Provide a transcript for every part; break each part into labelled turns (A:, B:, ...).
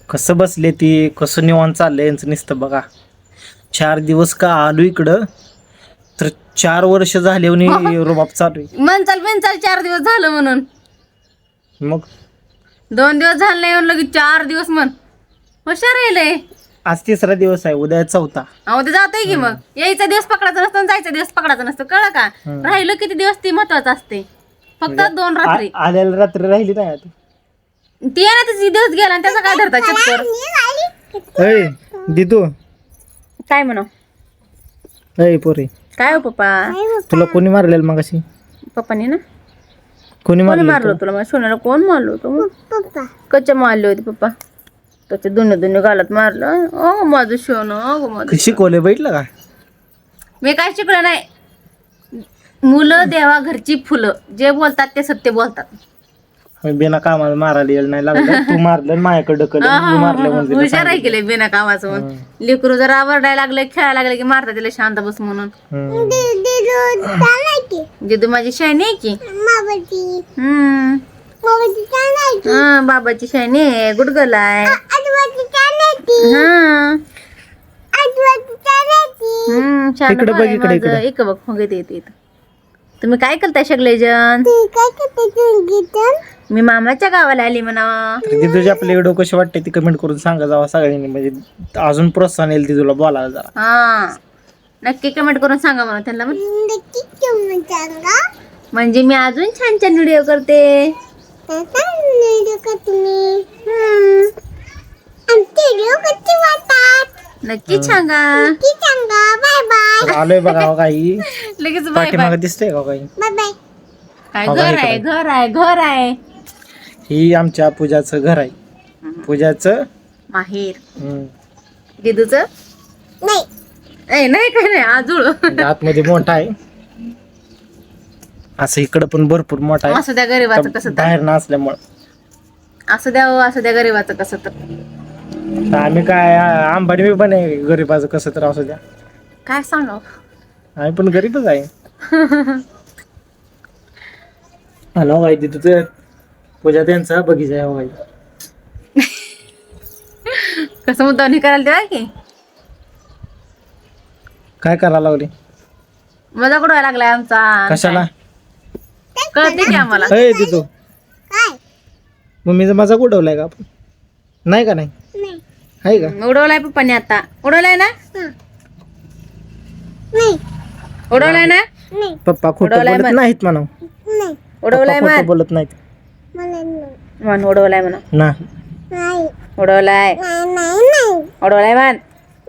A: कसं बसले ती, कसं निवांत चाललंय यांचं नुसतं बघा. 4 दिवस का आलो इकडं तर 4 वर्ष झाले रुबाब चालू आहे.
B: मनचाल 4 दिवस झालं म्हणून.
A: मग
B: 2 दिवस झाले नाही म्हणलं की 4 दिवस म्हण. हुशार राहिलंय.
A: आज 3रा दिवस आहे, उद्या 4था.
B: अहो ते जातोय की मग. यायचा दिवस पकडायचा नसतो आणि जायचा दिवस पकडायचा नसतो, कळलं का? राहिलं किती दिवस ती महत्वाचं असते. फक्त 2 रात्री.
A: आल्याला रात्री राहिली नाही आता.
B: ती आहे ना तिची दिवस गेला आणि त्याचा काय धरता चक्कर.
A: अय दिदू,
B: काय म्हणा
A: अय पोरे,
B: काय हो पप्पा?
A: तुला कोणी मारलेलं मग अशी?
B: पप्पानी ना
A: कोणी
B: कोणी
A: मारलं
B: मारलं तुला? माझ्या सोन्याला कोण मारलं होतं? कच्च्या मारले होते पप्पा. त्याचे दोन्ही घालत मारलं. ओ माझं सोनं, ओ माझं.
A: शिकवले बैठलं का?
B: मी काय शिकलं नाही. मुलं देवा घरची फुलं, जे बोलतात ते सत्य बोलतात.
A: बिना कामाला मारायला यायला नाही लागलं. तू मारलं आणि माझ्याकडे ढकललं, मी मारलं म्हणजे
B: हुशार आहे केले बिना कामाचं म्हणून. लेकरू जर आवरडायला लागले, खेळायला लागले की मारतात तिला शांत बस म्हणून. जिदू माझी शायनी आहे की. बाबाची शायनी आहे, गुडगल आहे.
A: इकडे बघ, इकडे.
B: एक बघ मग येते. तुम्ही काय करताय सगळे जण? मी मामाच्या गावाला आली म्हणा.
A: दिदूची आपले व्हिडिओ कसे वाटते ती कमेंट करून सांगा जावा सगळ्यांनी, म्हणजे अजून प्रोत्साहन येईल दिदूला बोलायला जरा.
B: हा नक्की कमेंट करून सांगा म्हणा त्यांना. म्हणजे मी अजून छान छान व्हिडिओ करते. नक्की सांगा.
A: आलोय बघा काही
B: लगेच बाय
A: पाठीमागे दिसतंय का काही?
B: काय घर आहे.
A: ही आमच्या पूजाचं घर आहे. पूजाचं
B: माहेर. दिदूचं नाही काय नाही आजूळ.
A: आतमध्ये मोठा आहे, असं इकडं पण भरपूर मोठा आहे.
B: असं द्या गरीबाचं कसं तर.
A: बाहेर नसल्यामुळं
B: असं द्या गरीबाचं कसं तर.
A: आम्ही काय अंबानी पण आहे, गरीबाचं कसं तर असू द्या.
B: काय सांगाव,
A: आम्ही पण गरीबच आहे. हॅलो काय तिथं पूजा त्यांचा बगीचा आहे बाई.
B: कसं मुद्दा करायला तेव्हा की
A: काय करायला लागले?
B: मजा कुठं लागलाय आमचा.
A: कशाला
B: कळते की आम्हाला.
A: अय तिथं मम्मीचा माझा उडवलाय का आपण? नाही का? नाही आहे का?
B: उडवलाय पप्पाने आता. उडवलाय ना? उडवलाय ना?
A: पप्पा खोटं बोलत नाहीत म्हणा.
B: उडवलाय
A: पप्पा खोटं बोलत नाहीत
B: म्हण. उडवलाय म्हणा.
A: नाही.
B: उडवलाय म्हण.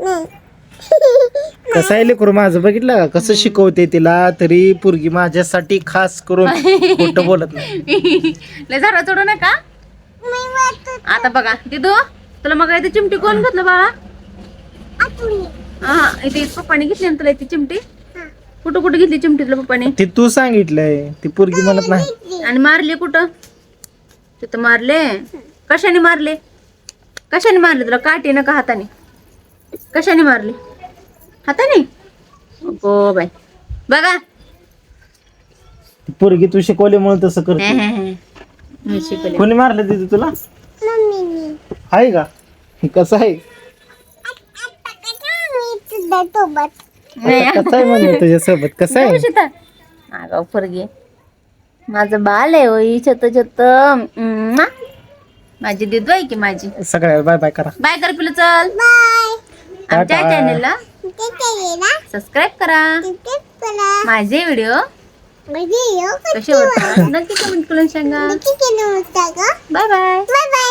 A: कसं आहे लेकरू माझं, बघितलं का कसं शिकवते तिला, तरी पोरगी माझ्यासाठी खास करून खोटं बोलत नाही.
B: लय झाडा चढू नका. आता बघा दिदू, तुला मग इथे चिमटी कोण घेतलं बाळा? हा इथे पप्पाने घेतली ना तुला इथे चिमटी? कुठं घेतली चिमटी तुला पप्पाने?
A: ते तू सांगितलंय, ती पोरगी म्हणत नाही.
B: आणि मारले कुठं? तिथं मारले. कशाने मारले तुला? काठीनं का हाताने? कशाने मारले? हाताने? हो बाय. बघा
A: ती पोरगी तू शिकवल्यामुळे तसं करते.
B: मी शिकवले.
A: कोणी मारलं तिथे तुला? आहे का? कसं आहे? कसं आहे म्हणलं तुझ्यासोबत? कसं आहे?
B: आगाव पोरगी. माझं बाल आहे होई छोट. माझी दिदू आहे की माझी.
A: सगळ्या बाय बाय करा.
B: बाय कर पिलं चल. आमच्या चॅनेलला सबस्क्राईब करा. माझे व्हिडिओ कसे वाटतात नक्की कमेंट करून सांगा. Bye bye.